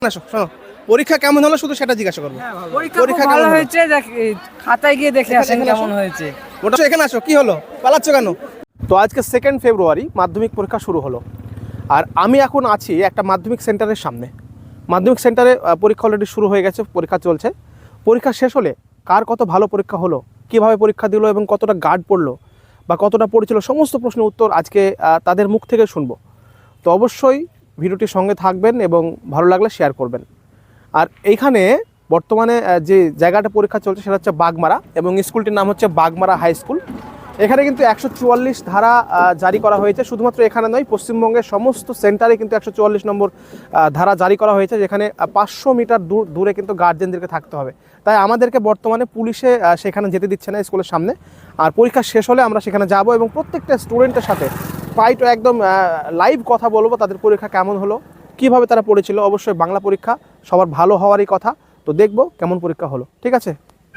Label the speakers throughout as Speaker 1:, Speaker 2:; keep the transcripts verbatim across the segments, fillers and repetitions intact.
Speaker 1: আসো শোনো, পরীক্ষা কেমন হলো শুধু সেটা জিজ্ঞাসা করবো।
Speaker 2: পরীক্ষা ভালো হয়েছে, খাতায় গিয়ে দেখে আসেন কেমন হয়েছে।
Speaker 1: ওটা এখানে আসো, কি হলো পালাচ্ছ কেন? তো আজকে সেকেন্ড ফেব্রুয়ারি মাধ্যমিক পরীক্ষা শুরু হলো, আর আমি এখন আছি একটা মাধ্যমিক সেন্টারের সামনে। মাধ্যমিক সেন্টারে পরীক্ষা অলরেডি শুরু হয়ে গেছে, পরীক্ষা চলছে। পরীক্ষা শেষ হলে কার কত ভালো পরীক্ষা হলো, কিভাবে পরীক্ষা দিল এবং কতটা গার্ড পড়লো বা কতটা পড়েছিল, সমস্ত প্রশ্নের উত্তর আজকে তাদের মুখ থেকে শুনবো। তো অবশ্যই ভিডিওটির সঙ্গে থাকবেন এবং ভালো লাগলে শেয়ার করবেন। আর এইখানে বর্তমানে যে জায়গাটা পরীক্ষা চলছে সেটা হচ্ছে বাগমারা, এবং স্কুলটির নাম হচ্ছে বাগমারা হাই স্কুল। এখানে কিন্তু একশো চুয়াল্লিশ ধারা জারি করা হয়েছে। শুধুমাত্র এখানে নয়, পশ্চিমবঙ্গের সমস্ত সেন্টারে কিন্তু একশো চুয়াল্লিশ নম্বর ধারা জারি করা হয়েছে, যেখানে পাঁচশো মিটার দূর দূরে কিন্তু গার্জেনদেরকে থাকতে হবে। তাই আমাদেরকে বর্তমানে পুলিশে সেখানে যেতে দিচ্ছে না স্কুলের সামনে। আর পরীক্ষা শেষ হলে আমরা সেখানে যাব এবং প্রত্যেকটা স্টুডেন্টের সাথে পাইটো একদম লাইভ কথা বলবো, তাদের পরীক্ষা কেমন হলো, কিভাবে তারা পড়েছিল। অবশ্যই বাংলা পরীক্ষা সবার ভালো হওয়ারই কথা, তো দেখবো কেমন পরীক্ষা হলো। ঠিক আছে,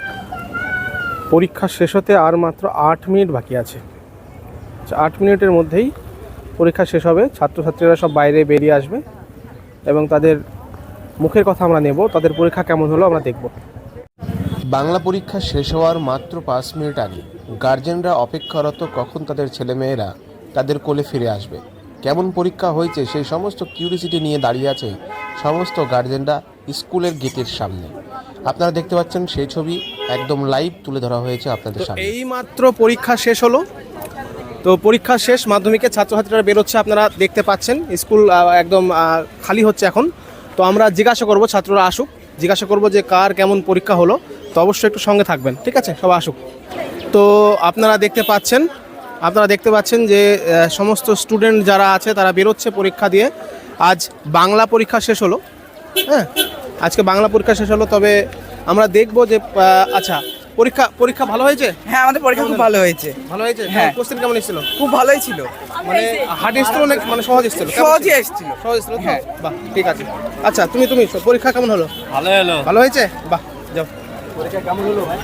Speaker 1: পরীক্ষা শেষ হতে আর মাত্র আট মিনিট বাকি আছে। আট মিনিটের মধ্যেই পরীক্ষা শেষ হবে, ছাত্রছাত্রীরা সব বাইরে বেরিয়ে আসবে এবং তাদের মুখের কথা আমরা নেব, তাদের পরীক্ষা কেমন হলো আমরা দেখব।
Speaker 3: বাংলা পরীক্ষা শেষ হওয়ার মাত্র পাঁচ মিনিট আগে গার্জেনরা অপেক্ষারত কখন তাদের ছেলেমেয়েরা তাদের কোলে ফিরে আসবে, কেমন পরীক্ষা হয়েছে সেই সমস্ত কিউরিসিটি নিয়ে দাঁড়িয়ে আছে সমস্ত গার্জেনরা স্কুলের গেটের সামনে। আপনারা দেখতে পাচ্ছেন সেই ছবি একদম লাইভ তুলে ধরা হয়েছে আপনাদের সামনে।
Speaker 1: এই মাত্র পরীক্ষা শেষ হলো, তো পরীক্ষা শেষ, মাধ্যমিকের ছাত্রছাত্রীরা বেরোচ্ছে, আপনারা দেখতে পাচ্ছেন স্কুল একদম খালি হচ্ছে এখন। তো আমরা জিজ্ঞাসা করব, ছাত্ররা আসুক, জিজ্ঞাসা করব যে কার কেমন পরীক্ষা হলো। তো অবশ্যই একটু সঙ্গে থাকবেন, ঠিক আছে, সবাই আসুক। তো আপনারা দেখতে পাচ্ছেন আপনারা দেখতে পাচ্ছেন যে সমস্ত স্টুডেন্ট যারা আছে তারা বেরোচ্ছে পরীক্ষা দিয়ে। আজ বাংলা পরীক্ষা শেষ হলো, হ্যাঁ আজকে বাংলা পরীক্ষা শেষ হলো। তবে আমরা দেখব যে আচ্ছা পরীক্ষা পরীক্ষা ভালো হয়েছে।
Speaker 2: হ্যাঁ, আমাদের পরীক্ষা খুব ভালো হয়েছে।
Speaker 1: ভালো হয়েছে,
Speaker 2: হ্যাঁ।
Speaker 1: কোশ্চেন কেমন এসেছিল?
Speaker 2: খুব ভালোই ছিল,
Speaker 1: মানে হার্ড এসেছিল না মানে সহজ এসেছিল?
Speaker 2: সহজই এসেছিল।
Speaker 1: সহজ এসেছিল,
Speaker 2: হ্যাঁ।
Speaker 1: বাহ, ঠিক আছে। আচ্ছা তুমি তুমি পরীক্ষা কেমন হলো?
Speaker 4: ভালো হলো।
Speaker 1: ভালো হয়েছে, বাহ, যাও। পরীক্ষা কেমন হলো ভাই?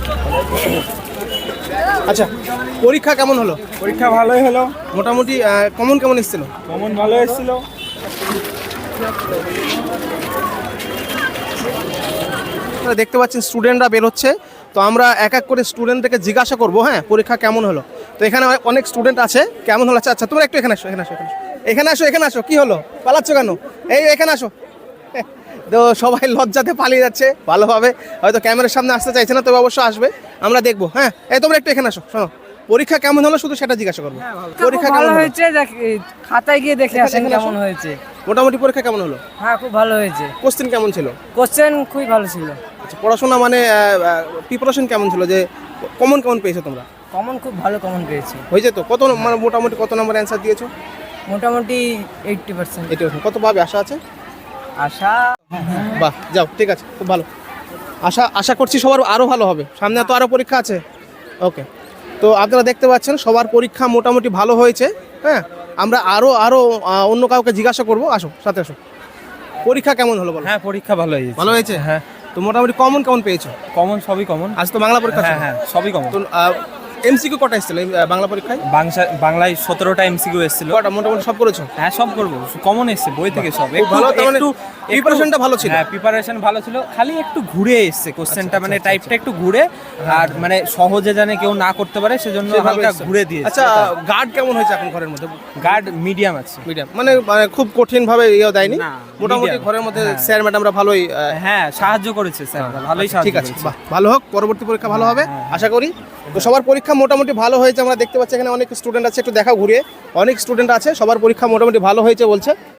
Speaker 1: আচ্ছা পরীক্ষা কেমন হলো?
Speaker 4: পরীক্ষা ভালোই হলো,
Speaker 1: মোটামুটি কমন কেমন এসেছিল?
Speaker 4: কমন ভালো এসেছিল।
Speaker 1: দেখতে পাচ্ছেন স্টুডেন্টরা বেরোচ্ছে, তো আমরা এক এক করে স্টুডেন্টদেরকে জিজ্ঞাসা করবো, হ্যাঁ পরীক্ষা কেমন হলো। তো এখানে অনেক স্টুডেন্ট আছে, কেমন হলো? আচ্ছা আচ্ছা তোমরা একটু এখানে আসো, এখানে আসো, এখানে আসো, এখানে আসো, কি হলো পালাচ্ছ কেন? এই এখানে আসো। তো সবাই লজ্জাতে পালিয়ে যাচ্ছে, ভালোভাবে হয়তো ক্যামেরার সামনে আসতে চাইছে না, তবে অবশ্যই আসবে, আমরা দেখবো। হ্যাঁ এই তোমরা একটু এখানে আসো, শোনো, পরীক্ষা কেমন হলো শুধু সেটা জিজ্ঞাসা করবো।
Speaker 2: পরীক্ষা ভালো হয়েছে, খাতায় গিয়ে দেখে আসেন কেমন হয়েছে।
Speaker 1: মোটামুটি পরীক্ষা কেমন হলো?
Speaker 2: হ্যাঁ খুব ভালো হয়েছে।
Speaker 1: কোশ্চেন কেমন ছিল?
Speaker 2: কোশ্চেন খুবই ভালো ছিল।
Speaker 1: আচ্ছা পড়াশোনা মানে প্রিপারেশন কেমন ছিল, যে কমন কেমন পেয়েছো তোমরা?
Speaker 2: কমন খুব ভালো কমন পেয়েছি।
Speaker 1: হয়েছে তো? কত মানে মোটামুটি কত নম্বর অ্যান্সার দিয়েছো?
Speaker 2: মোটামুটি এইটটি পার্সেন্ট।
Speaker 1: Eighty percent. কত পাবে আশা আছে?
Speaker 2: আশা,
Speaker 1: বাহ, যাও, ঠিক আছে, খুব ভালো। আশা আশা করছি সবার আরও ভালো হবে, সামনে তো আরও পরীক্ষা আছে। ওকে, তো আপনারা দেখতে পাচ্ছেন সবার পরীক্ষা মোটামুটি ভালো হয়েছে। হ্যাঁ আমরা আরও আরও অন্য কাউকে জিজ্ঞাসা করবো, আসো সাথে আসো। পরীক্ষা কেমন হলো বলো?
Speaker 4: হ্যাঁ পরীক্ষা ভালো হয়েছে।
Speaker 1: ভালো হয়েছে,
Speaker 4: হ্যাঁ।
Speaker 1: তো মোটামুটি কমন কেমন পেয়েছো?
Speaker 4: কমন সবই কমন।
Speaker 1: আজ তো বাংলা পরীক্ষা ছিল।
Speaker 4: হ্যাঁ হ্যাঁ সবই কমন।
Speaker 1: তো এমসিকিউ কটা এসেছিল এই বাংলা পরীক্ষায়?
Speaker 4: বাংলায় সতেরোটা এমসিকিউ এসেছিল।
Speaker 1: কটা মোটামুটি সব করেছো?
Speaker 4: হ্যাঁ সব করবো, কমন এসছে বই থেকে সব।
Speaker 1: খুব ভালো, তার মানে প্রিপারেশনটা ভালো ছিল।
Speaker 4: হ্যাঁ প্রিপারেশন ভালো ছিল, খালি একটু ঘুরে এসছে কোশ্চেনটা, মানে
Speaker 1: আচ্ছা,
Speaker 4: টাইপটা একটু ঘুরে, আর মানে সহজে জানে কেউ না করতে পারে সেজন্য হালকা ঘুরে দিয়েছে।
Speaker 1: আচ্ছা গার্ড কেমন হয়েছে এখন ঘরের মধ্যে?
Speaker 4: গার্ড মিডিয়াম আছে।
Speaker 1: মিডিয়াম মানে মানে খুব কঠিন ভাবে ইয়ে দেয়নি,
Speaker 4: না,
Speaker 1: মোটামুটি
Speaker 4: medium।
Speaker 1: ঘরের মধ্যে
Speaker 4: হ্যাঁ।
Speaker 1: স্যার ম্যাডামরা ভালোই
Speaker 4: হ্যাঁ সাহায্য করেছে স্যার, ভালোই সাহায্য
Speaker 1: ঠিক আছে,
Speaker 4: করেছে।
Speaker 1: বাহ, ভালো হোক, পরবর্তী পরীক্ষা ভালো হবে আশা করি। তো সবার পরীক্ষা মোটামুটি ভালো হয়েছে, আমরা দেখতে পাচ্ছি এখানে অনেক স্টুডেন্ট আছে, একটু দেখা ঘুরিয়ে, অনেক স্টুডেন্ট আছে, সবার পরীক্ষা মোটামুটি ভালো হয়েছে বলছে।